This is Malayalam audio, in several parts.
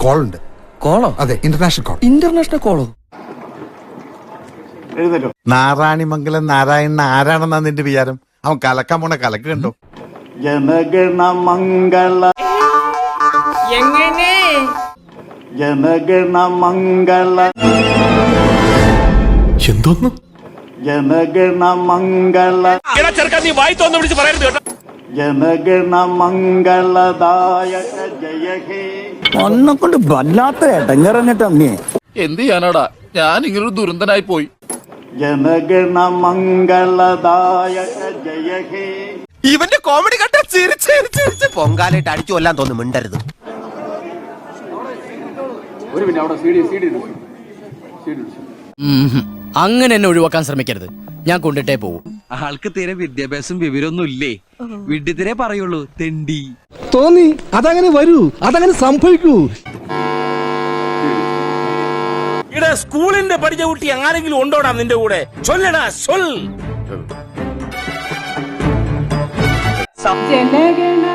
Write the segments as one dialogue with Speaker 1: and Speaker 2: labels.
Speaker 1: കോൾ ഉണ്ട്.
Speaker 2: കോളോ?
Speaker 1: അതെ, ഇന്റർനാഷണൽ കോൾ.
Speaker 2: ഇന്റർനാഷണൽ കോളോ?
Speaker 3: നാരായണിമംഗലം നാരായണൻ ആരാണെന്നാ നിന്റെ വിചാരം? അവൻ കലക്കാൻ പോണ കലക്ക് കണ്ടോ?
Speaker 4: ജനഗണമംഗള
Speaker 5: എങ്ങനെ
Speaker 4: ജനഗണമംഗള
Speaker 6: എന്തോന്ന്
Speaker 4: ജനഗണമംഗള ജനഗണമംഗളദായക ജയ ഹേ.
Speaker 7: ഒന്നെ കൊണ്ട് വല്ലാത്ത ഇടങ്ങറന്നിട്ട് അമ്മേ.
Speaker 6: എന്ത് ചെയ്യാനാടാ, ഞാൻ ഇങ്ങനൊരു ദുരന്തനായി പോയി.
Speaker 4: ജനഗണമംഗളദായക ജയ ഹേ.
Speaker 2: ഇവന്റെ കോമഡി കണ്ട ചിരിച്ച് പൊങ്കാലായിട്ട് അടിച്ചു കൊല്ലാൻ തോന്നുന്നു. മിണ്ടരുത്.
Speaker 8: അങ്ങനെ എന്നെ ഒഴിവാക്കാൻ ശ്രമിക്കരുത്. ഞാൻ കൊണ്ടിട്ടേ പോവും.
Speaker 9: ആൾക്ക് തീരെ വിദ്യാഭ്യാസം വിവരമൊന്നും ഇല്ലേ. വിഡ്ഢിത്തിരെ പറയുള്ളൂ, തെണ്ടി.
Speaker 6: തോന്നി അതങ്ങനെ വരൂ, അതങ്ങനെ സംഭവിക്കൂ.
Speaker 5: ഇവിടെ സ്കൂളിന്റെ പഠിച്ച കുട്ടി ആരെങ്കിലും ഉണ്ടോടാ നിന്റെ കൂടെ? ചൊല്ലടാ, ചൊൽ.
Speaker 10: ജനഗണ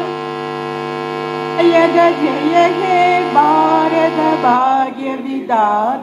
Speaker 10: ജയ ഹേ ഭാരത ഭാഗ്യ വിദാത.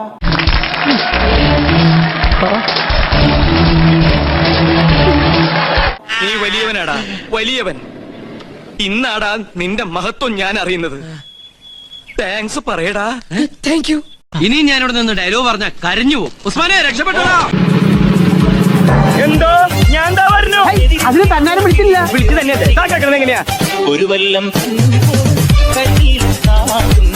Speaker 9: നീ വലിയവനാടാ, വലിയവൻ. ഇന്നാടാ നിന്റെ മഹത്വം ഞാൻ അറിയുന്നത്. താങ്ക്സ് പറയടാ.
Speaker 8: Thank you.
Speaker 9: ഇനി ഞാനിവിടെ നിന്ന് ഡയലോഗ് പറഞ്ഞ കരഞ്ഞു പോകും. ഉസ്മാനെ രക്ഷപ്പെട്ടോ.
Speaker 5: എന്തോ ഞാൻ എന്താ പറഞ്ഞു?
Speaker 10: അതിന് തന്നാലും വിളിച്ചില്ല.
Speaker 5: വിളിച്ചു തന്നെ എങ്ങനെയാ?
Speaker 4: ഒരു വല്ലം